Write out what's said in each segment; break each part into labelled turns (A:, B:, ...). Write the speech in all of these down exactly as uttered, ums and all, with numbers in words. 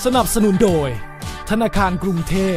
A: สนับสนุนโดยธนาคารกรุงเทพ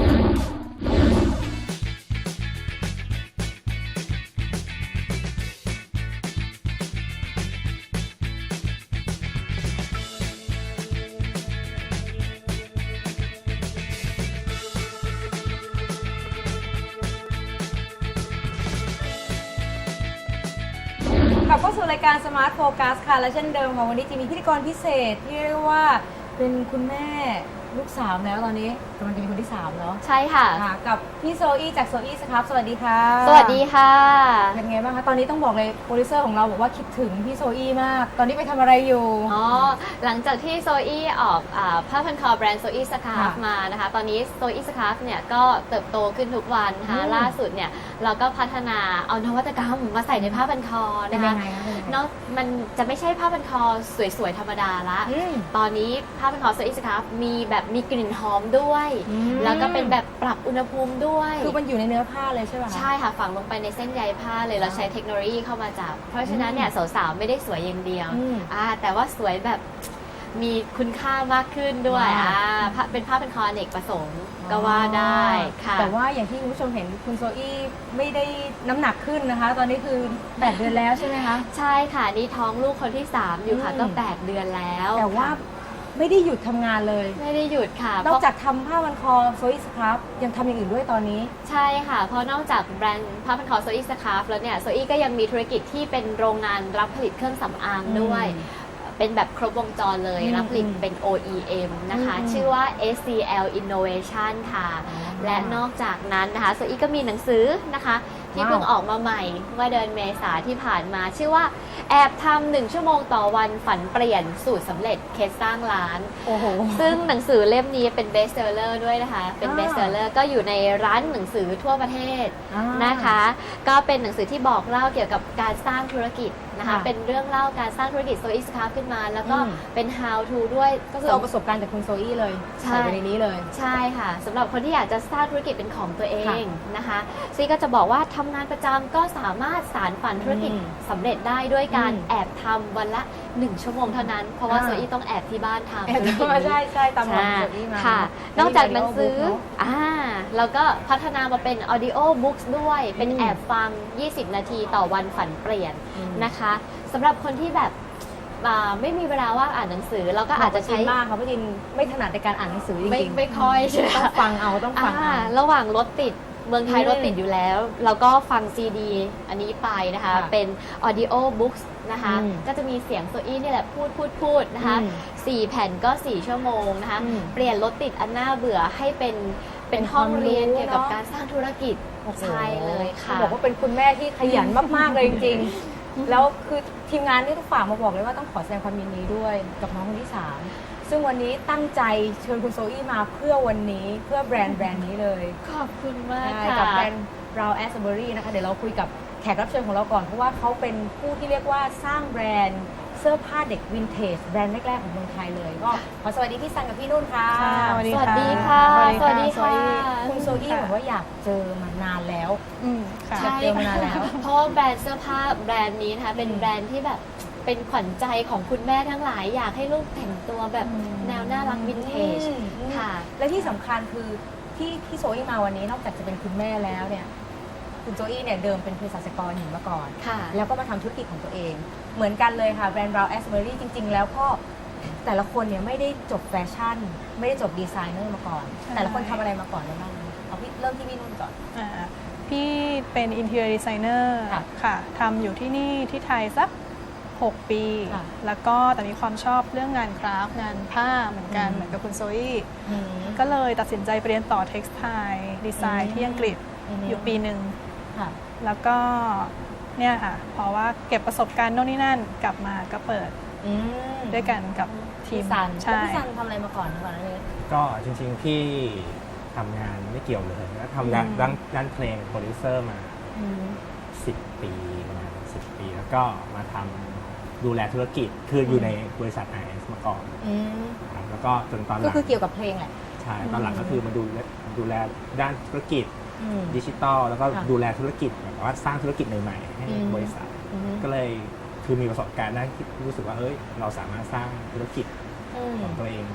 B: กลับเข้าสู่รายการ Smart Focus ค่ะและเช่นเดิมค่ะวันนี้จะมีพิธีกรพิเศษที่เรียกว่าเป็นคุณแม่ลูกสามแล้วตอนนี้กำลังจะมีคนที่สามเนาะ
C: ใช่ค่ะ
B: ค่ะกับพี่โซอี้จากโซอี้สครับสวัสดีค่ะ
C: สวัสดีค่ะ
B: เป็นไงบ้างคะตอนนี้ต้องบอกเลยโปรดิวเซอร์ของเราบอกว่าคิดถึงพี่โซอี้มาก ตอนนี้ไปทำอะไรอยู่
C: อ๋อ หลังจากที่โซอี้ออกอาผ้าพันคอแบรนด์โซอี้สคาร์ฟ
B: ค่ะ
C: มานะคะ ตอนนี้โซอี้สคาร์ฟเนี่ยก็เติบโตขึ้นทุกวันนะคะ
B: อืม
C: ล่าสุดเนี่ยเราก็พัฒนาเอานวัตกรรมมาใส่ในผ้าพันคอ
B: เป็น
C: นะคะ
B: ยังไงคะเป็นยังไง
C: นอกมันจะไม่ใช่ผ้าพันคอสวยๆธรรมดาละ
B: อืม
C: ตอนนี้ผ้าพันคอโซอี้สคาร์ฟมีแบบมีกลิ่นหอมด้วย
B: อืม
C: แล้วก็เป็นแบบปรับอุณหภูมิด้วย
B: คือมันอยู่ในเนื้อผ้าเลยใช่ไหมคะ
C: ใช่ค่ะฝังลงไปในเส้นใยผ้าเลยเราใช้เทคโนโลยีเข้ามาจับ เพราะฉะนั้นเนี่ยสาวๆไม่ได้สวยอย่างเดียว
B: อืม
C: อ่าแต่ว่าสวยแบบมีคุณค่ามากขึ้นด้วย
B: ว้าว
C: อ่าผ้าเป็นผ้าเป็นคออเนกประสงค์ก็ว่าได้ค่ะ
B: แต่ว่าอย่างที่คุณผู้ชมเห็นคุณโซอี้ไม่ได้น้ำหนักขึ้นนะคะ ตอนนี้คือแปดเดือนแล้วใช่ไหมคะ
C: ใช่ค่ะนี่ท้องลูกคนที่สามอยู่ค่ะ
B: อืม
C: ก็แปดเดือนแล้ว
B: แต่ว่า
C: ค่ะ
B: ไม่ได้หยุดทำงานเลย
C: ไม่ได้หยุดค่ะ
B: นอกจากทำผ้าพันคอโซอี้สครับยังทำอย่างอื่นด้วยตอนนี้
C: ใช่ค่ะ เพราะนอกจากแบรนด์ผ้าพันคอโซอี้สคาร์ฟแล้วเนี่ยโซอี้ก็ยังมีธุรกิจที่เป็นโรงงานรับผลิตเครื่องสำอางด้วย
B: อืม
C: เป็นแบบครบวงจรเลย
B: อืม
C: รับผลิตเป็น โอ อี เอ็ม นะคะ
B: อืม
C: ชื่อว่า เอส ซี แอล Innovation ค่ะ
B: อ๋อ
C: และนอกจากนั้นนะคะโซอี้ก็มีหนังสือนะคะ ที่
B: ว้าว
C: เพิ่งออกมาใหม่เมื่อเดือนเมษาที่ผ่านมา ชื่อว่าแอบทำหนึ่งชั่วโมงต่อวันฝันเปลี่ยนสูตรสำเร็จเคสสร้างร้าน
B: โอ้โห
C: ซึ่งหนังสือเล่มนี้เป็นเบสเซอร์เลอร์ด้วยนะคะ เป็น
B: อ่า
C: เบสเซอร์เลอร์ก็อยู่ในร้านหนังสือทั่วประเทศ
B: อ่าน
C: นะคะ ก็เป็นหนังสือที่บอกเล่าเกี่ยวกับการสร้างธุรกิจนะคะ
B: ค่ะ
C: เป็นเรื่องเล่าการสร้างธุรกิจโซอีสคาร์ขึ้นมา แล้วก็
B: อืม
C: เป็น how to ด้วย
B: ก็คือเอาประสบการณ์จากคุณโซอี้เลย
C: ใช่
B: ใส่ไปในนี้เลย
C: ใช่ค่ะสำหรับคนที่อยากจะสร้างธุรกิจเป็นของตัวเองนะคะซีก็จะบอกว่าทำงานประจำก็สามารถสารฝันธุรกิจ
B: อืม
C: สำเร็จได้ด้วยการ
B: อืม
C: แอบทำวันละหนึ่งชั่วโมงเท่านั้น เพราะว่า
B: อ่า
C: โซอี้ต้องแอบที่บ้านทำ
B: แอบ
C: ธุรกิจ
B: ทำมา
C: นี้
B: ใช่ใช่ตามหลัง
C: ใช่
B: โซอี้มา
C: ค่ะ
B: อั
C: นอกจากหนังสือ
B: เป็น audio book เนอะ
C: อ่าแล้วก็พัฒนามาเป็น audio books ด้วย เป็น
B: อืม
C: แอบฟัง ยี่สิบ นาทีต่อวันฝันเปลี่ยน
B: อืม
C: นะคะสำหรับคนที่แบบอ่าไม่มีเวลาว่างอ่านหนังสือเราก็อาจจะใช้
B: มากค่ะเพราะจินไม่ถนัดในการอ่านหนังสือจ
C: ไม่
B: ริงๆ
C: ไม่ค่อยใช่ไหม
B: ต้องฟังเอาต้องฟัง
C: อ่า
B: เอา
C: ระหว่างรถติดเมืองไทย
B: อืม
C: รถติดอยู่แล้ว เราก็ฟังซีดีอันนี้ไปนะคะ
B: ค่ะ
C: เป็น audio books นะคะ
B: อืม
C: ก็จะมีเสียงโซอี้นี่แหละพูดพูดพูดนะคะ
B: อืม
C: สี่แผ่นก็สี่ชั่วโมงนะคะ
B: อืม
C: เปลี่ยนรถติดอันน่าเบื่อให้เป็นเป็น
B: เป็น
C: ห้อง
B: ความรู้
C: เรียนเกี่ยวกับ
B: เนอะ
C: การสร้างธุรกิจ
B: โอ้โห
C: ใช่เลยค่ะ
B: ต้องบอกว่าเป็นคุณแม่ที่ขยันมากๆเลยจริงๆ แล้วคือทีมงานนี่ต้องฝากมาบอกเลยว่าต้องขอแสดงความยินดีด้วยกับน้องคนที่สามซึ่งวันนี้ตั้งใจเชิญคุณโซอี้มาเพื่อวันนี้เพื่อแบรนด์แบรนด์นี้เลย
C: ขอบคุณมาก
B: ใช่
C: ค่ะ
B: กับแบรนด์ Brown Asbury นะคะเดี๋ยวเราคุยกับแขกรับเชิญของเราก่อน เพราะว่าเขาเป็นผู้ที่เรียกว่าสร้างแบรนด์เสื้อผ้าเด็กวินเทจแบรนด์แรกๆของเมืองไทยเลยก็ขอสวัสดีพี่ซันกับพี่นุ่นค่ะ
D: ค่ะสวัสดี
C: สวัสดีค่ะ
D: สวัสดี
C: สวัสดีค่ะ
B: คุณโซอี้บอกว่าอยากเจอมานานแล้ว
D: อืมค่ะ
B: ใช่ เจอมานานแล้ว
C: เพราะว่าแบรนด์เสื้อผ้าแบรนด์นี้นะคะเป็น
B: อืม
C: แบรนด์ที่แบบเป็นขวัญใจของคุณแม่ทั้งหลาย อยากให้ลูกแต่งตัวแบบแนวน่ารักวินเทจ
B: อืม
C: ค่ะ
B: และที่สำคัญคือที่ที่โซอี้มาวันนี้นอกจากจะเป็นคุณแม่แล้วเนี่ยคุณโซอี้เนี่ยเดิมเป็นเภสัชกรหญิงมาก่อน
C: ค่ะ
B: แล้วก็มาทำธุรกิจของตัวเอง เหมือนกันเลยค่ะแบรนด์ Brown Asbury จริง ๆ แล้วก็แต่ละคนเนี่ยไม่ได้จบแฟชั่น ไม่ได้จบดีไซเนอร์มาก่อน
D: ใช่
B: แต่ละคนทำอะไรมาก่อนได้บ้างเอาพี่เริ่มที่พี่นุ่นก่อน
D: อ่าพี่เป็น interior designer
B: ค่ะ
D: ค่ะทำอยู่ที่นี่ที่ไทยสัก หก ปี
B: ค่ะ
D: แล้วก็แต่มีความชอบเรื่องงานคราฟต์งานผ้าเหมือนกัน
B: อืม
D: เหมือนกับคุณโซอี้
B: อืม
D: ก็เลยตัดสินใจไปเรียนต่อ textile ดีไซ
B: อื
D: น์
B: ม
D: ที่อังกฤษ
B: อืม
D: อยู่ปีหนึ่ง
B: ค่ะ
D: แล้วก็เนี่ยค่ะเพราะว่าเก็บประสบการณ์โน่นนี่นั่นกลับมาก็เปิด
B: อืม
D: ด้วยกันกับที
B: พี่
D: ม
B: ซันแล้ว
D: ใช่
B: พี่ซันทำอะไรมาก่อนก่อนอันนี้
E: ก็จริงๆ พี่ทำงานไม่เกี่ยวเลยแล้วทำด้าน
D: อืม
E: ด้านด้านเพลงโปรดิวเซอร์มา
B: อืม
E: สิบ ปีประมาณสิบ ปี แล้วก็มาทำดูแลธุรกิจ คืออยู่ในบริษัท ไอ เอส มาก่อน
B: อืม
E: นะครับแล้วก็จนตอนห
B: ก็
E: ลัง
B: คือเกี่ยวกับเพลงแหละ
E: ใช่ตอนหลังก็คือมาดูแลดูแลด้านธุรกิจ
B: อืม
E: ดิจิตอลแล้วก็
B: ค่ะ
E: ดูแลธุรกิจแบบว่าสร้างธุรกิจใหม่ๆให้
B: อืม
E: บริษัท
B: อืม
E: ก็เลยคือมีประสบการณ์ด้านที่รู้สึกว่าเอ้ยเราสามารถสร้างธุรกิจ
B: อืม
E: ของตัวเองได้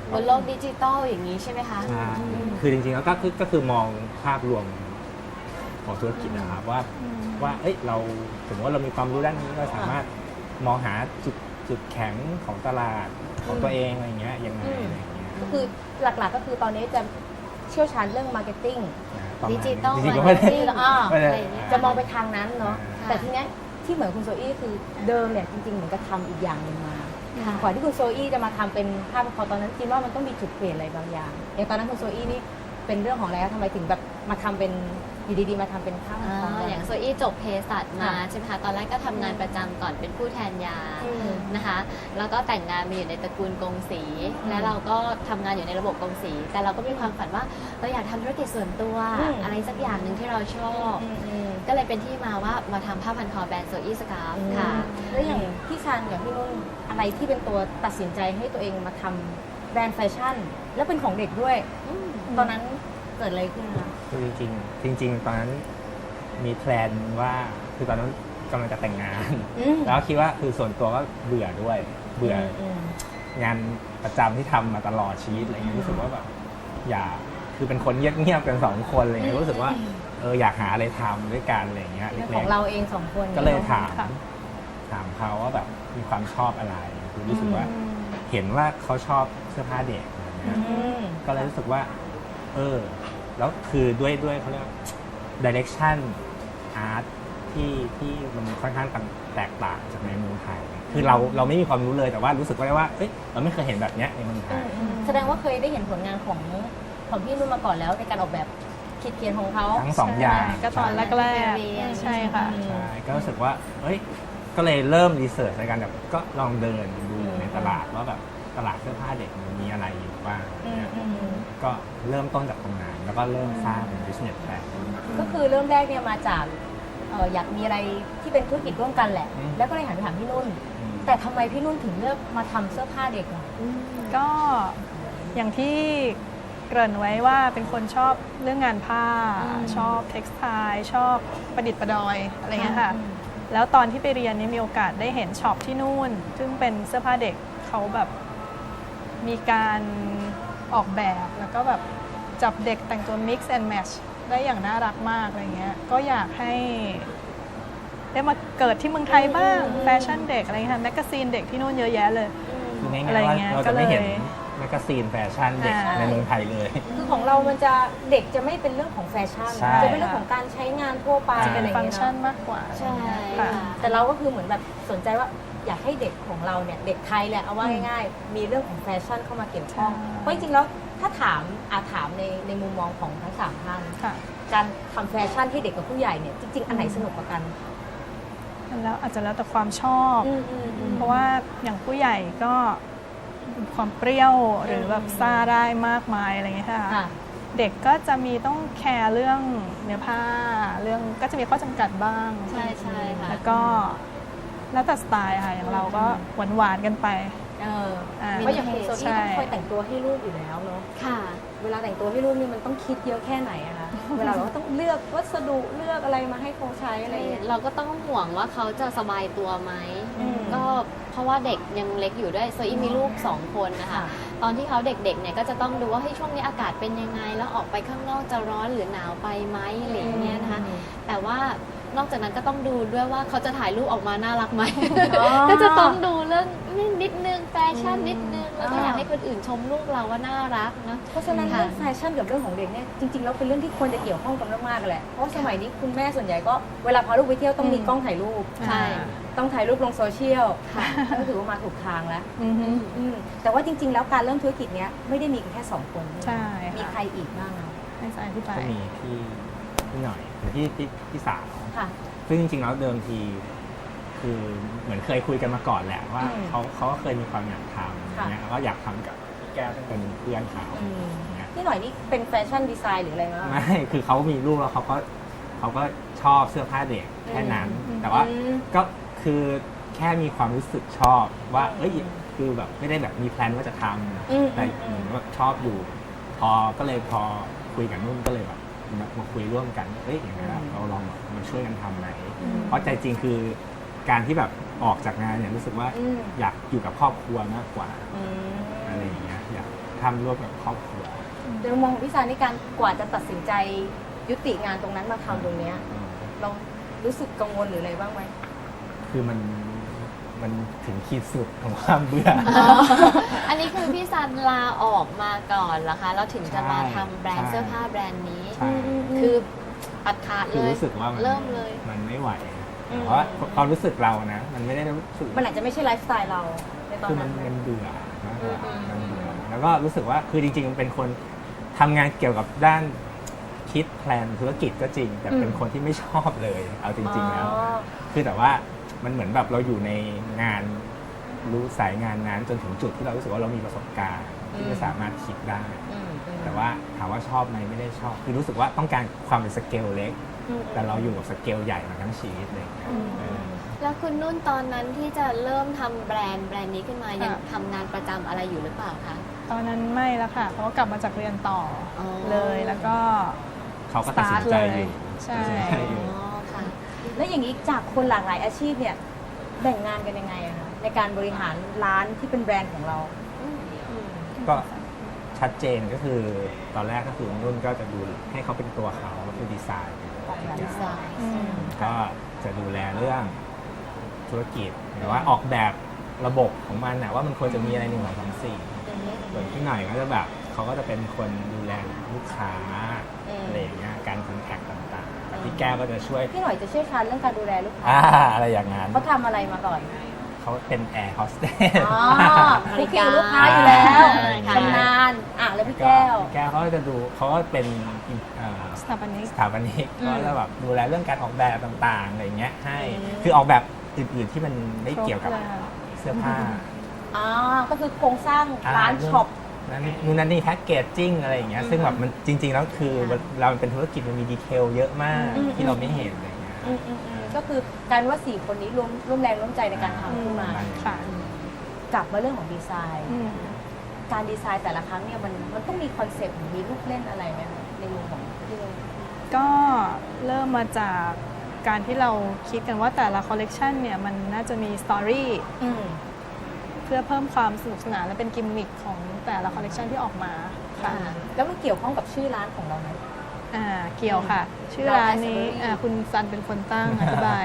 C: บนโลกดิจิตอลอย่างนี้ใช่ไหมคะ
E: ใช่คือจริงๆแล้วก็คือก็คือมองภาพรวมของธุรกิจนะครับว่าว่าเอ้ยเราสมมติว่าเรามีความรู้ด้านนี้เราสามารถมองหาจุดจุดแข็งของตลาดของตัวเองอะไรเงี้ยยังไงอะไรเงี้ย
B: ก็คือหลักๆก็คือตอนนี้จะเชี่ยวชาญเรื่องมาร์เก็ตติ้ง
E: นะประมาณ
C: ดิจิตอล
E: จริงๆก็ไม่ได้
B: ที่อ่า
E: ไม่ได้
C: อะไรอย่างเงี้ย
B: จะมองไปทางนั้นเนาะ
C: ค่ะ
B: แต่ทีเนี้ยที่เหมือนคุณโซอี้คือเดิมเนี่ยจริงๆเหมือนกับทำอีกอย่างหนึ่งมา
C: ค่ะ
B: ก่อนที่คุณโซอี้จะมาทำเป็นภาพพอตอนนั้นคิดว่ามันต้องมีจุดเปลี่ยนอะไรบางอย่างอย่างตอนนั้นคุณโซอี้นี่เป็นเรื่องของอะไรคะทำไมถึงแบบมาทำเป็นอยู่ดีๆมาทำเป็นภาพ
C: อ่า
B: ของ
C: อย่างโซอี้จบเภสัชมา
B: ค่ะ
C: ใช่ไหมคะตอนแรกก็ทำงานประจำก่อนเป็นผู้แทนยา
B: อืม
C: นะคะ แล้วก็แต่งงานมาอยู่ในตระกูลกงสี
B: อืม
C: แล้วเราก็ทำงานอยู่ในระบบกงสี แต่เราก็มีความฝันว่าเราอยากทำธุรกิจส่วนตัว
B: อืม
C: อะไรสักอย่างหนึ่งที่เราชอบ
B: อืมอืม
C: ก็เลยเป็นที่มาว่ามาทำผ้าพันคอแบรนด์โซอี้สกาฟค่ะ
B: แล้วอย่างพี่ชันอย่างพี่นุ่นอะไรที่เป็นตัวตัดสินใจให้ตัวเองมาทำแบรนด์แฟชั่น แล้วเป็นของเด็กด้วย ตอนนั้นเกิดอะไรขึ้นคะ
E: คือจริงๆจริง ๆ ตอนนั้นมีแพลนว่าคือตอนนั้นกำลังจะแต่งงาน
B: อืม
E: แล้วคิดว่าคือส่วนตัวก็เบื่อด้วย เบื่ออ
B: ม
E: งานประจำที่ทำมาตลอดชีวิตอะไรเงี้ยรู้สึกว่าแบบอยากคือเป็นคนเงียบๆกันสองคนอะไรเงี้ยรู้สึกว่าเอออยากหาอะไรทำด้วยกันอะไรเงี้ย
B: เรื่อง
E: เล็
B: ของ
E: ก
B: เราเองสองคน
E: ๆก็เลยถาม
D: ค่ะ
E: ถามเขาว่าแบบมีความชอบอะไรคือรู้สึกว่าเห็นว่าเขาชอบเสื้อผ้าเด็กอะไร
B: อื
E: เงี้ย
B: ม
E: ก็เลยรู้สึกว่า เออ แล้วคือด้วยด้วยเขาเรียกดิเรกชันอาร์ตที่ที่มันค่อนข้างแตกต่างจากในเมืองไทย คือเราเราไม่มีความรู้เลยแต่ว่ารู้สึกว่าว่าเอ้ยเราไม่เคยเห็นแบบเนี้ยในเมืองไทย
B: แสดงว่าเคยได้เห็นผลงานของของพี่นุ่นมาก่อนแล้วในการออกแบบคิดเขียนของเขา
E: ทั้งสองอย่าง
D: ใช่ก็ตอนแรก
C: ใช่
D: ๆใช่ค่ะ
E: ใช่ก็รู้สึกว่าเอ้ย ก็เลยเริ่มรีเสิร์ชในการแบบก็ลองเดินดูในตลาดว่าแบบตลาดเสื้อผ้าเด็กมันมีอะไรอยู่บ้าง
B: อืม
E: เนี่ย
B: อืม
E: ก็เริ่มต้นจากตรงนั้นแล้วก็เริ่มสร้างเป็น business plan
B: ก็คือเริ่มแรกเนี่ยมาจากเอ่ออยากมีอะไรที่เป็นธุรกิจร่วมกันแหละ
E: อืม
B: แล้วก็เลยหันไปถามพี่นุ่น
E: อืม
B: แต่ทำไมพี่นุ่นถึงเลือกมาทำเสื้อผ้าเด็กล่ะ
D: ก็อย่างที่เกริ่นไว้ว่าเป็นคนชอบเรื่องงานผ้า
B: อืม
D: ชอบเท็กซ์ไทชอบประดิษฐ์ประดอยอะไรเงี้ยค่ะ
B: อืม
D: แล้วตอนที่ไปเรียนนี่มีโอกาสได้เห็นช็อปที่นู่น ซึ่งเป็นเสื้อผ้าเด็กเขาแบบมีการออกแบบแล้วก็แบบจับเด็กแต่งตัว mix and match ได้อย่างน่ารักมากอะไรเงี้ยก็อยากให้ได้มาเกิดที่เมืองไทยบ้างแฟชั่นเด็กอะไรเงี้ยค่ะแมกกาซีนเด็กที่นู่นเยอะแยะเลย
E: คือง่าย
D: อะไร
E: ๆว่า
D: เงี้ย
E: เราจะไม่เห็น
D: ก็เลย
E: แมกกาซีนแฟชั่นเด็ก
D: อ่า
E: ในเมืองไทยเลย
B: คือของเรามันจะเด็กจะไม่เป็นเรื่องของแฟชั่น
E: ใช่
B: จะเป็นเรื่องของการใช้งานทั่วไป
E: อ่า
B: อะไร
D: ฟัง
B: เงี้
D: ก์
B: ย
D: ชัน
B: เนาะ
D: มากกว่า
C: ใช่
D: ค่ะ
C: ค่ะ
B: แต่เราก็คือเหมือนแบบสนใจว่าอยากให้เด็กของเราเนี่ยเด็กไทยแหละเอาว่าง่ายๆ มีเรื่องของแฟชั่นเข้ามาเกี่ยวข้อง
D: ใช่
B: เพราะจริงๆแล้วถ้าถามอาถามในในมุมมองของทั้งสามท่าน
D: ค่ะ
B: การทำแฟชั่นให้เด็กกับผู้ใหญ่เนี่ยจริง ๆ อันไหนสนุกกว่ากัน
D: แล้วอาจจะแล้วแต่ความชอบ
B: อืมอืมอืม
D: เพราะว่าอย่างผู้ใหญ่ก็มีความเปรี้ยวหรือแบบซ่าได้มากมายอะไรเงี้ยค่ะ
B: ค่ะ
D: เด็กก็จะมีต้องแคร์เรื่องเนื้อผ้า เรื่องก็จะมีข้อจำกัดบ้าง
C: ใช่ใช่ค่ะ
D: แล้วก็แล้วแต่สไตล์ค่ะอย่างเราก็หวานๆกันไป
B: เออ
D: อ่า
B: เพราะอย่างคุณโซอี้
D: ใช่
B: ต้องคอยแต่งตัวให้ลูกอยู่แล้วเนาะ
C: ค่ะ
B: เวลาแต่งตัวให้ลูกนี่มันต้องคิดเยอะแค่ไหนอะคะ เวลาเราก็ต้องเลือกวัสดุเลือกอะไรมาให้เขาใช้อะไรอย่างเงี้ย
C: เราก็ต้องห่วงว่าเขาจะสบายตัวไหม
B: อืม
C: ก็เพราะว่าเด็กยังเล็กอยู่ด้วยโซอี้มีลูกสองคนนะคะ
B: ค่ะ
C: ตอนที่เขาเด็กๆเนี่ยก็จะต้องดูว่าเฮ้ยช่วงนี้อากาศเป็นยังไง แล้วออกไปข้างนอกจะร้อนหรือหนาวไปไหมอะไรอย่างเงี้ยนะคะ แต่ว่านอกจากนั้นก็ต้องดูด้วยว่าเขาจะถ่ายรูปออกมาน่ารักไหม
B: อ๋อ
C: ก็จะต้องดูเรื่องนิดนึงแฟชั่นนิดนึง แล้วก็
B: อ่า
C: อยากให้คนอื่นชมลูกเราว่าน่ารักนะ
B: เพราะฉะนั้น
C: ค่ะ
B: เรื่องแฟชั่นกับเรื่องของเด็กเนี่ยจริงๆแล้วเป็นเรื่องที่ควรจะเกี่ยวข้องกันมากๆแหละ เพราะสมัยนี้คุณแม่ส่วนใหญ่ก็เวลาพาลูกไปเที่ยวต้องมีกล้องถ่ายรูป
C: ใช่
B: ต้องถ่ายรูปลงโซเชียล
C: ค่ะ
B: ก็ถือว่ามาถูกทางแล้ว
D: อือฮึ
B: อืมแต่ว่าจริง ๆ แล้วการเริ่มธุรกิจเนี้ยไม่ได้มีกันแค่สองคน
D: ใช่
B: มี
D: ค่ะ
B: ใครอีกบ้างอะ
D: ให้สายที่ไป
E: ก็มีพี่พี่หน่อยหรือพี่พี่พี่สาว
B: ค่ะ
E: ซึ่งจริงๆแล้วเดิมทีคือเหมือนเคยคุยกันมาก่อนแหละว่า
B: อืม
E: เขาเขาก็เคยมีความอยากทำอย่างเงี้ยแล้วก็อยากทำกับพี่แก้วซึ่งเป็นเพื่อนเขา
B: อืม
E: อย่างเงี้ย
B: นี่หน่อยนี่เป็นแฟชั่นดีไซน์หรืออะไรมั้ง
E: ไม่คือเขามีลูกแล้วเขาก็เขาก็ชอบเสื้อผ้าเด็กแค่นั้น
B: อืม
E: แต่ว่า
B: อืม
E: ก็คือแค่มีความรู้สึกชอบว่าเอ้ยคือแบบไม่ได้แบบมีแพลนว่าจะท
B: อืม
E: ำแต่
B: อืม
E: เหมือนว่าชอบอยู่ พอก็เลยพอคุยกับนุ่นก็เลยแบบมามาคุยร่วมกันเอ้ยอย่างนี้นเราลองแบบมาช่วยกันทำไหม
B: อืม
E: เพราะใจจริงคือการที่แบบออกจากงานเนี่ยรู้สึกว่า
B: อืม
E: อยากอยู่กับครอบครัวมากกว่า
B: อืม
E: อะไรอย่างเงี้ยอยากทำร่วมกับครอบครัว
B: ในมุมมองของพี่ซานี่การกว่าจะตัดสินใจยุติงานตรงนั้นมาทำตรงเนี้ย
E: อืม
B: เรารู้สึกกังวลหรืออะไรบ้างไหม
E: คือมันมันถึงขีดสุดของความเบื่อ
C: อันนี้คือพี่ซันลาออกมาก่อนเหรอคะแล้วถึงจะมาทำแบรนด์
E: ใช่
C: เสื้อผ้าแบรนด์นี้
E: ใช่
C: คือตัดขาด
E: คื
C: เล
E: อย รู้สึกว่ามัน
C: เริ่มเลย
E: มันไม่ไหวแต่ว่าความรู้สึกเรานะ มันไม่ได้รู้สึก
B: มันอาจจะไม่ใช่ไลฟ์สไตล์เราในตอน
E: คือมั
B: นั้น น
E: มันเบื่อมากกว่า
B: อืม
E: มันเบื่อแล้วก็รู้สึกว่าคือจริงๆมันเป็นคนทำงานเกี่ยวกับด้านคิดแพลนธุรกิจก็จริง แต่เป็นคนที่ไม่ชอบเลย เอาจริง ๆ แล้ว
B: อ๋อ
E: คือแต่ว่ามันเหมือนแบบเราอยู่ในงานรู้สายงานนั้นจนถึงจุดที่เรารู้สึกว่าเรามีประสบการณ์ที่จะสามารถคิดได้
B: อืมอืม
E: แต่ว่าถามว่าชอบไหมไม่ได้ชอบ คือรู้สึกว่าต้องการความเป็นสเกลเล็ก
B: อืม
E: แต่เราอยู่กับสเกลใหญ่มาทั้งชีวิตเลย
B: อืม
E: เออ
C: แล้วคุณนุ่นตอนนั้นที่จะเริ่มทำแบรนด์แบรนด์นี้ขึ้นมา
D: ค่ะ
C: ยังทำงานประจำอะไรอยู่หรือเปล่าคะ
D: ตอนนั้นไม่แล้วค่ะ เพราะว่ากลับมาจากเรียนต่ออ
C: อ
D: เลยแล้วก็
E: เขาก็ตัดสินใจอยู่
D: ใช่
E: ตัดสินใจ
C: อ๋
E: อยู่
C: อค่ะ
B: แล้วอย่างนี้จากคนหลากหลายอาชีพเนี่ยแบ่งงานกันยังไงอะคะในการบริหารร้านที่เป็นแบรนด์ของเรา
E: ก็ชัดเจนก็คือตอนแรกก็คือนุ่นก็จะดูให้เขาเป็นตัวเขาก็คือดีไซน์
B: ออกแบบดีไซน์
D: อืม
E: ก็จะดูแลเรื่องธุรกิจหรือว่าออกแบบระบบของมันนะว่ามันควรจะมีอะไรหนึ่งสองสามสี่ส่วนพี่หน่อยก็จะแบบเขาก็จะเป็นคนดูแลลูกค้า
B: อืม
E: อะไรอย่างเงี้ยการคอนแทคต่างๆแต่พี่แก้วก็จะช่วย
B: พี่หน่อยจะเชี่ยวชาญเรื่องการดูแลลูกค้า
E: อ่าอะไรอย่างนั้น
B: เขาทำอะไรมาก่อน
E: เขาเป็นแอร์โฮสเตส
B: อ๋อคุกคีกับลูกค้าอยู่แล้ว
C: ค่ะ
B: ชำนาญอ่ะแล้วพี่แก้ว
E: แก้วเขาก็จะดูเขาก็เป็นเอ่อ
D: สถาปนิก
E: สถาปนิก
B: อืม
E: ก็จะแบบดูแลเรื่องการออกแบบต่างๆอะไรเงี้ยให้
B: อืม
E: คือออกแบบอื่นๆที่มันไม่เกี่ยวกับ
D: ครบเลย
E: เสื้อผ้า
B: อ๋อก็คือโครงสร้าง
E: อ่า
B: ร้านช็อป
E: นั่นนี่นู่นนั่นนี่แพ็กเกจจิ้งอะไรอย่างเงี้ยซึ่งแบบมันจริง ๆ แล้วคือ
B: ค่ะ
E: เราเป็นธุรกิจมันมีดีเทลเยอะมาก
B: อืม
E: ที่เราไม่เห็นอะไรเงี้ย
B: อืมอืมอืมก็คือการว่าสี่คนนี้ร่วมร่วมแรงร่วมใจในการทำขึ้นมา
E: อืม
D: ค่ะ
B: กลับมาเรื่องของดีไซน์
D: อืม
B: การดีไซน์แต่ละครั้งเนี่ยมันมันต้องมีคอนเซปต์หรือมีลูกเล่นอะไรไหมคะในมุมของพี่นุ่น
D: ก็เริ่มมาจากการที่เราคิดกันว่าแต่ละคอลเลกชันเนี่ยมันน่าจะมีสตอรี่
B: อืม
D: เพื่อเพิ่มความสนุกสนานและเป็นกิมมิคของแต่ละคอลเลกชันที่ออกมาค่ะ
B: แล้วมันเกี่ยวข้องกับชื่อร้านของเราไหม
D: อ่าเกี่ยวค่ะ ชื่อร้านนี้
B: Raspberry
D: อ่าคุณซันเป็นคนตั้ง อธิบาย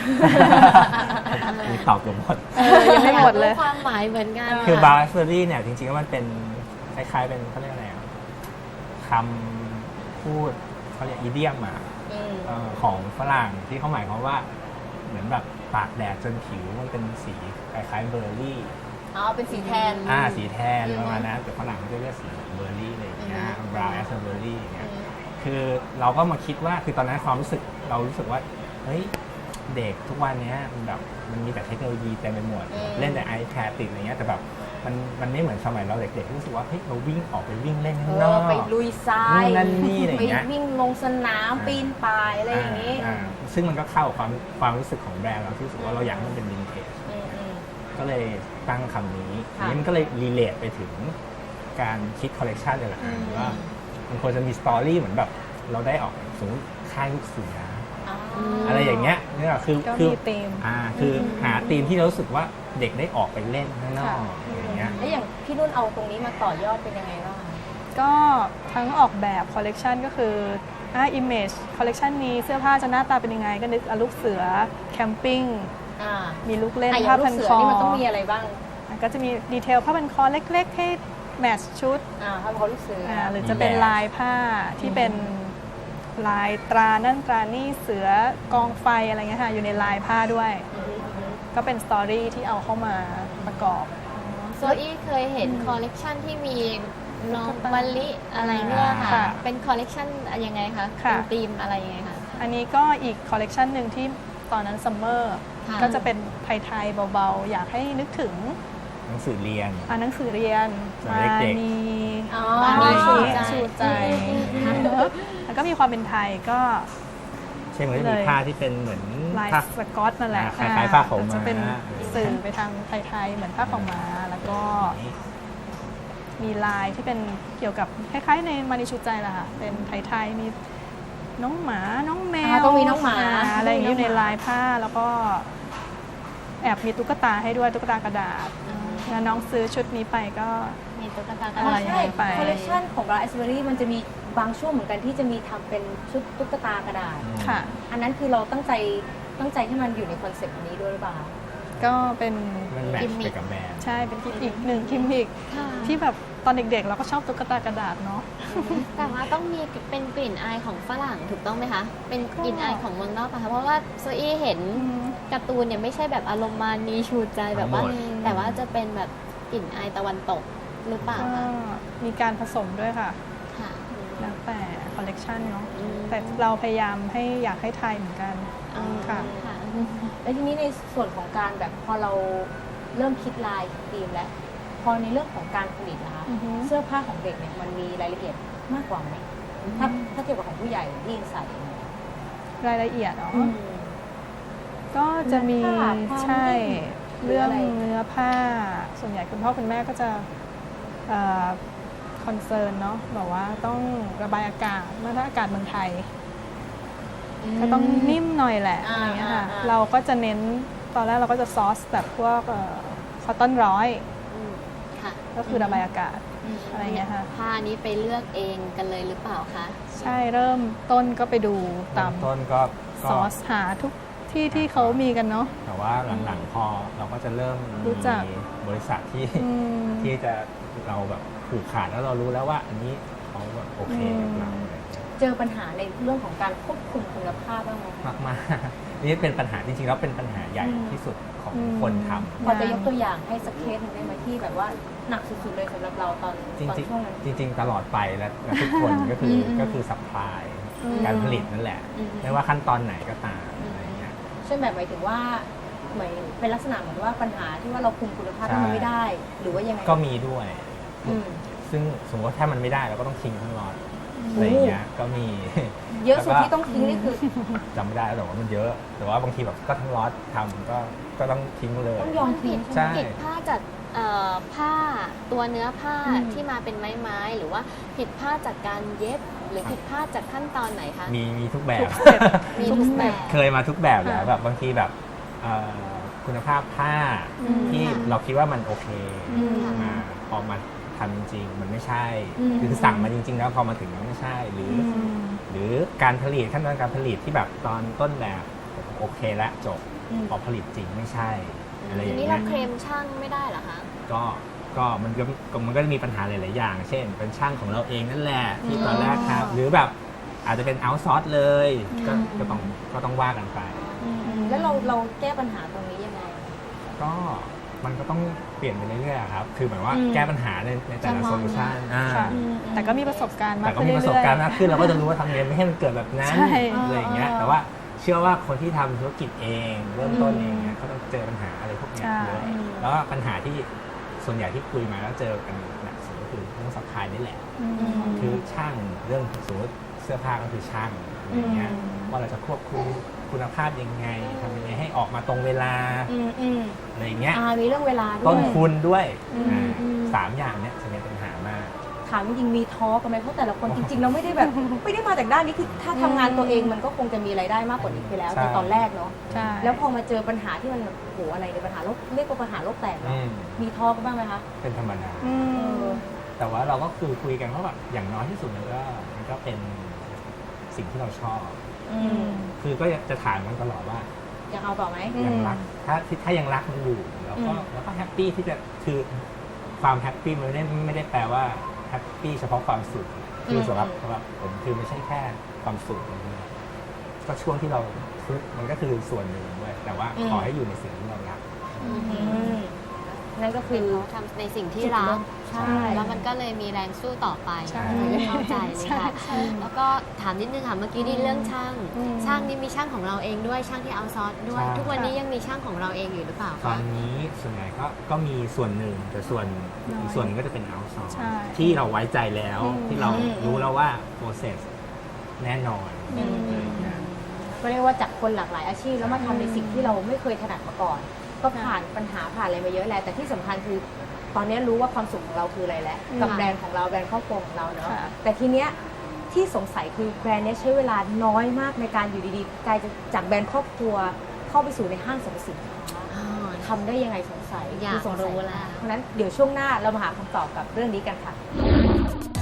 E: มีตอบเกือบหมด
D: เออยังไม่หมดเลย
C: อากรู้ความหมายเหมือนกัน
E: คือบาร์เซอรี่เนี่ยจริงๆแล้วมันเป็นคล้ายๆเป็นเขาเรียกอะไรอะคำพูดเขาเรียกอีเดียมอะ
B: อืม
E: เอ่อของฝรั่งที่เขาหมายความว่าเหมือนแบบตากแดดจนผิวมันเป็นสีคล้ายๆเบอร์รี่
B: อ๋อเป็นสีแทน
E: อ่าสีแทน
B: อืม
E: ประมาณนั้นแต่ฝรั่งเขาจะเรียกสีเบอร์รี่อะไรอย่างเงี้ย
B: อืม
E: บราวน์แอสเบอร์รี่อย่างเงี้ย
B: อืม
E: คือเราก็มาคิดว่าคือตอนนั้นความรู้สึกเรารู้สึกว่าเฮ้ยเด็กทุกวันเนี้ยมันแบบมันมีแต่เทคโนโลยีเต็มไปหมด
B: อืม
E: เล่นแต่ iPad ติดอะไรเงี้ยแต่แบบมันมันไม่เหมือนสมัยเราเด็กๆที่รู้สึกว่าเฮ้ยเราวิ่งออกไปวิ่งเล่น
B: เอ
E: ข้างนอ
B: อก ไปลุยทราย
E: นู่นนั่นนี่อะไร
B: ไป
E: เงี้ย
B: วิ่งลงสนาม
E: อ่า
B: ปีนป่ายอะไรอย่างนี้
E: อ่าซึ่งมันก็เข้ากับความความรู้สึกของแบรนด์เราที่รู้สึกว่าเราอยากให้มันเป็นวินเทจ
B: อืมอืม
E: ก็เลยตั้งคำนี้ที
B: ค่ะ
E: นี้มันก็เลยรีเลทไปถึงการคิดคอลเลกชันเลยแหละ
B: อืม
E: ว่ามันควรจะมีสตอรี่เหมือนแบบเราได้ออกสมมติค่ายลูกเสือ
B: อ๋อ
E: อะไรอย่างเงี้ยนี่แหละคือ
D: ก็
E: คือ
D: มีธีม
E: อ่าคืออ
B: ม
E: หาธีมที่เรารู้สึกว่าเด็กได้ออกไปเล่นข้างนอก
D: ค่ะ
E: อย่างเงี้ย
B: แล้วอย่างพี่นุ่นเอาตรงนี้มาต่อยอดเป็นยังไงบ้างคะ
D: ก็ทั้งออกแบบคอลเลกชันก็คืออ่า image คอลเลกชันนี้เสื้อผ้าจะหน้าตาเป็นยังไง ก็นึกอ่ะลูกเสือแคมปิ้ง
B: อ่า
D: มีลูกเล่น
B: อ่ะอย่า
D: ผ้าง
B: ลู
D: พั
B: ก
D: น
B: เสือ
D: คอ
B: นี่มันต้องมีอะไรบ้าง
D: อ่ะก็จะมีดีเทลผ้าพันคอเล็กๆให้แมทช์ชุด
B: อ่าทำเขาลูกเสืออ
D: อ่าหรือจะเป็นลายผ้าที่เป็นลายตรานั่นตรานี่เสือกองไฟอะไรเงี้ยค่ะอยู่ในลายผ้าด้วย
B: อืมอืม
D: ก็เป็นสตอรี่ที่เอาเข้ามาประกอบ
C: โซอี้เคยเห็นคอลเลกชันที่มีน้อง
D: ตุ๊กตาม
C: มะลิอะไรเนี่ยค่ะ
D: ค่ะ
C: เป็นคอลเลกชันยังไงคะ
D: ค่ะ
C: เป็นธีมอะไรยังไงคะ
D: อันนี้ก็อีกคอลเลกชันหนึ่งที่ตอนนั้นซัมเมอร์
C: ค่ะ
D: ก็จะเป็นไทยๆเบาๆ อยากให้นึกถึง
E: หนังสือเรียน
D: อ่านหนังสือเรียน
E: สมัยเด็กๆ
D: มี
B: อ๋อ
D: มีชู
C: ใจ
D: ชูใจ แล้วก็มีความเป็นไทยก็
E: เช่นมันจะมี
D: เลย
E: ผ้าที่เป็นเหมือน
D: ลาย
E: ผ้า
D: สก๊อตนั่นแหละ
E: อ่าคล้ายๆผ้าขาวม้า
D: จะเป็นสื่อไปทางไทยๆเหมือนผ้าขาวม้าแล้วก็มีลายที่เป็นเกี่ยวกับคล้ายๆในมานิชูใจแหละค่ะเป็นไทยๆมีน้องหมาน้องแม
B: อ่าว ต้องมีน้องหมา
D: อะไรอย่างนี้
B: ต้
D: อยู่
B: มี
D: ใน
B: น้องหมา
D: ลายผ้าแล้วก็แอบมีตุ๊กตาให้ด้วยตุ๊กตากระดาษ
B: อืม
D: แล้วน้องซื้อชุดนี้ไปก็
C: มีตุ๊กตา
D: อะไร
B: ใช่
D: ไป
B: คอลเลคชันของบราสเบอรี่มันจะมีบางช่วงเหมือนกันที่จะมีทำเป็นชุดตุ๊กตากระดาษ
D: ค่ะ
B: อันนั้นคือเราตั้งใจตั้งใจให้มันอยู่ในคอนเซ็ปต์นี้ด้วยหรือเปล่า
D: ก็เป็น
E: มันแมทช์ไปกับแบรนด์
D: ใช่เป็นอีกหนึ่งกิมมิค
C: ค่ะ
D: ที่แบบตอนเด็กๆ เราก็ชอบตุ๊กตากระดาษเนาะ
C: แต่ว่าต้องมีเป็นกลิ่นอายของฝรั่งถูกต้องไหมคะ เป็นกลิ่นอายของเมืองนอกปะคะเพราะว่าโซอี้เห็นการ์ตูนเนี่ยไม่ใช่แบบอารมณ์มานีชูใจแบบว่า
E: ทั้งหมด
C: แต่ว่าจะเป็นแบบกลิ่นอายตะวันตกหรือเปล่า
D: ก็
C: คะ
D: มีการผสมด้วยค่ะ
C: ค่ะ
D: แล้วแต่คอลเลกชันเนาะ
C: อืม
D: แต่เราพยายามให้อยากให้ไทยเหมือนกัน
C: อ๋อ
D: ค่ะ
C: ค่ะ
B: แล้วทีนี้ในส่วนของการแบบพอเราเริ่มคิดลายธีมแล้ว พอในเรื่องของการผลิตนะคะ
D: อือฮึ
B: เสื้อผ้าของเด็กเนี่ยมันมีรายละเอียดมากกว่าไหมถ้าถ้าเทียบกับของผู้ใหญ่ที่ใส่
D: รายละเอียดเนาะ
B: อืม
D: ก็จะมี
B: เนื้อผ้าความ
D: ใช่
B: นิ่มหรือ
D: เรื่อง
B: อะไร
D: เนื้อผ้า ส่วนใหญ่คุณพ่อคุณแม่ก็จะคอนเซิร์นเนาะบอกว่าต้องระบายอากาศเมื่อถ้าอากาศเมืองไทย ก็ต้องนิ่มหน่อยแหละ
B: อ่า
D: อะไรเงี้ยค่ะ
B: อ่าอ่า
D: เราก็จะเน้นตอนแรกเราก็จะซอสแบบพวกคอตตอนร้อย
C: อืมค่ะ
D: ก็คือระบายอากาศอะไรเงี้ยค่ะ
C: ผ้านี้ไปเลือกเองกันเลยหรือเปล่าคะ
D: ใช่เริ่มต้นก็ไปดูตาม
E: ต้นก็ก็
D: ซอสหาทุกที่ที่เขามีกันเนาะ
E: แต่ว่าหลังๆพอเราก็จะเริ่ม
D: รู้จัก
E: มีบริษัทที่
D: อืม
E: ที่จะเราแบบผูกขาดแล้วเรารู้แล้วว่าอันนี้เขาแบบโอเคกับเรา
D: อืม
E: อะไรอย่างเงี้ย
B: เจอปัญหาในเรื่องของการควบคุมคุณภาพบ้างไหม
E: มากมากๆ นี่เป็นปัญหาจริงๆแล้วเป็นปัญหาใหญ่ที่สุดของคนทำ
B: พอจะยกตัวอย่างให้สักเคสหนึงได้ไหมที่แบบว่าหนักสุดๆเลยสำหรับเราตอน
E: จริง
B: ตอนช่วงนั้น
E: ๆจริง ๆ ตลอดไปและและทุกคนก็คืออ
B: ม
E: ก็คือสัพพลาย
D: อืม
E: การผลิตนั่นแหละ
B: อืม
E: ไม่ว่าขั้นตอนไหนก็ตามอะไรอย่างเงี้ย
B: เช่นแบบหมายถึงว่าเหมือนเป็นลักษณะเหมือนว่าปัญหาที่ว่าเราคุมคุณภาพ
E: ใช่
B: ที่มันไม่ได้ หรือว่ายังไง
E: ก็มีด้วย
B: อืม
E: ซึ่งสมมติว่าถ้ามันไม่ได้เราก็ต้องทิ้งทั้งล็อตอะไรอย่างเงี้ยก็มี
B: เยอะสุด
E: แล้วก็
B: ที่ต้องทิ้งนี่คือ
E: จำไม่ได้แล้วแต่ว่ามันเยอะ แต่ว่าบางทีแบบก็ทั้งล็อตทำก็ก็ต้องทิ้งเลย
B: ต้องยอมทิ้ง
E: ใช่
C: ผิดผ้าจากเอ่อผ้าตัวเนื้อผ้า
B: อืม
C: ที่มาเป็นไม้ไม้ๆหรือว่าผิดผ้าจากการเย็บ หรือผิดผ้าจากขั้นตอนไหนคะ
E: มีมีทุกแบบ
C: มีทุกแบบ
E: เคยมาทุกแบบแล้ว
D: ค่ะ
E: แบบบางทีแบบเอ่อคุณภาพผ้า
D: อืม
E: ที่
C: ค่ะ
E: เราคิดว่ามันโอเค
B: อืม
E: มาพอมาทำจริงๆมันไม่ใช่
B: อืม
E: คือสั่งมาจริง ๆ แล้วพอมาถึงแล้วไม่ใช่ หรือ
D: อืม
E: หรือการผลิตขั้นตอนการผลิตที่แบบตอนต้นแบบโอเคแล้วจบ
B: อืม
E: พอผลิตจริงไม่ใช่อะไรอ
C: ที
E: ย่าง
C: นี้
E: เงี้
C: เรา
E: ย
C: เคลมช่างไม่ได้เหรอคะ
E: ก็ก็มันก็ก็มันก็จะมีปัญหาหลาย ๆ อย่าง เช่น เป็นช่างของเราเองนั่นแหละที่ตอนแรกครับหรือแบบอาจจะเป็นเอาซอร์สเลยก็ก็ต้องก็ต้องว่ากันไป
B: แล้วเราเราแก้ปัญหาตรงนี้ยังไง
E: ก็มันก็ต้องเปลี่ยนไปเรื่อยๆครับ คือหมายว่า
B: อืม
E: แก้ปัญหาในในแต่ละ
C: เฉ
E: โซ
C: พาะ
E: ลูชัน
D: ค่ะ แต่ก็มีประสบการณ์มาก
E: แต่ก็
D: ขึ้น
E: มี
D: เรื่อยๆ
E: ประสบการณ์มากขึ้นเราก็จะรู้ว่าทำยังไงไม่ให้มันเกิดแบบนั้น
D: ใช่
E: อะไรอย่างเงี้ย แต่ว่าเชื่อว่าคนที่ทำธุรกิจเองเริ่มต้นเองเนี่ยเขาต้องเจอปัญหาอะไรพวกเนี้ย
D: ใช่
E: เยอะแล้วก็ปัญหาที่ส่วนใหญ่ที่คุยมาแล้วเจอกันหนักสุดก็คือเรื่องสัพพลายนี่แหละ
D: อืม
E: คือช่างเรื่องสมมติเสื้อผ้าก็คือช่างอะไรอย่างเงี้ย
D: อืม
E: ว่าเราจะควบคุมคุณภาพยังไงทำยังไงให้ออกมาตรงเวลา
B: อืมอืม
E: อะไรอย่างเงี้ย
B: อ่ามีเรื่องเวลาด้
E: ต้
B: วน ย
E: ทุนด้วย
B: อืม
E: อ่า
B: อืม
E: สามอย่างเนี้ยจะเป็นปัญหามาก
B: ถามจริงๆมีท้อกันไหมเพราะแต่ละคนจริงๆเราไม่ได้แบบ ไม่ได้มาจากด้านนี้คือถ้าทำงานตัวเองมันก็คงจะมีรายได้มากกว่านี้ไปแล้ว
E: ใช่
B: ในตอนแรกเนาะ
D: ใช่
B: แล้วพอมาเจอปัญหาที่มันแบบโอ้โหอะไรในยปัญหาโลกเรียกว่าปัญหาโลกแตกเน
E: อื
B: อะ
E: ม
B: มีท้อกันบ้างไหมคะ
E: เป็นธรรมดา
D: อืม
E: แต่ว่าเราก็คือคุยกันว่าแบบอย่างน้อยที่สุดมันก็มันก็เป็นสิ่งที่เราชอบ
B: อืม
E: คือก็จะถามมันตลอดว่า
B: ยังเอาต่อไหม
D: อืม
E: ยังรักถ้าถ้ายังรักมันอยู่แล้วก็
B: อืม
E: แล้วก็แฮปปี้ที่จะคือความแฮปปี้มันไม่ได้ไม่ได้แปลว่าแฮปปี้เฉพาะความสุขคือสำหรับสำหรับผมคือไม่ใช่แค่ความสุขอย่างเดียวก็ช่วงที่เราทุกข์มันก็คือส่วนหนึ่งด้วยแต่ว่าขอให้อยู่ในสิ่งที่เรารัก
B: อืมนั่นก็คื
C: คือ
B: อ
C: เขาทำในสิ่งที่รัก
B: ใช่
C: แล้วมันก็เลยมีแรงสู้ต่อไป
D: ใช่
C: เข้าใจเลยค่ะ แล้วก็ถามนิดนึงค่ะ เมื่อกี้นี่เรื่องช่าง
D: อืม
C: ช่างนี่มีช่างของเราเองด้วย ช่างที่เอาซอสด้วย
E: ใช่
C: ทุกวันนี้ยังมีช่างของเราเองอยู่หรือเปล่า
E: ตอ
C: คะ
E: นนี้ส่วนใหญ่ก็ก็มีส่วนหนึ่งแต่ส่วน
D: น้อย
E: อีกส่วนหนึงก็จะเป็นเอาซอร์
D: ใช่
E: ที่เราไว้ใจแล้ว
D: อืม
E: ที่เรา
B: อืม
E: รู้แล้วว่า process แน่นอน
B: อืม
E: อะไรอย่างเงี้ย
B: ก็เรียกว่าจากคนหลากหลายอาชีพแล้วมาทำในสิ่งที่เราไม่เคยถนัดมาก่อน ก็ผ่านปัญหาผ่านอะไรมาเยอะแหละแต่ที่สำคัญคือ ตอนนี้รู้ว่าความสุขของเราคืออะไรแล้วกับแบรนด์ของเราแบรนด์ครอบครัวของเราเนาะ
D: ค่ะ
B: แต่ทีเนี้ยที่สงสัยคือแบรนด์เนี้ยใช้เวลาน้อยมากในการอยู่ดีๆกลายจะจากแบรนด์ครอบครัวเข้าไปสู่ในห้างสรรพสินค้า
C: อ๋อ
B: ทำได้ยังไงสงสัย
C: อยาก
B: คือสงสั
C: รู้แล้ว
B: เพราะฉะนั้นเดี๋ยวช่วงหน้าเรามาหาคำตอบกับเรื่องนี้กันค่ะ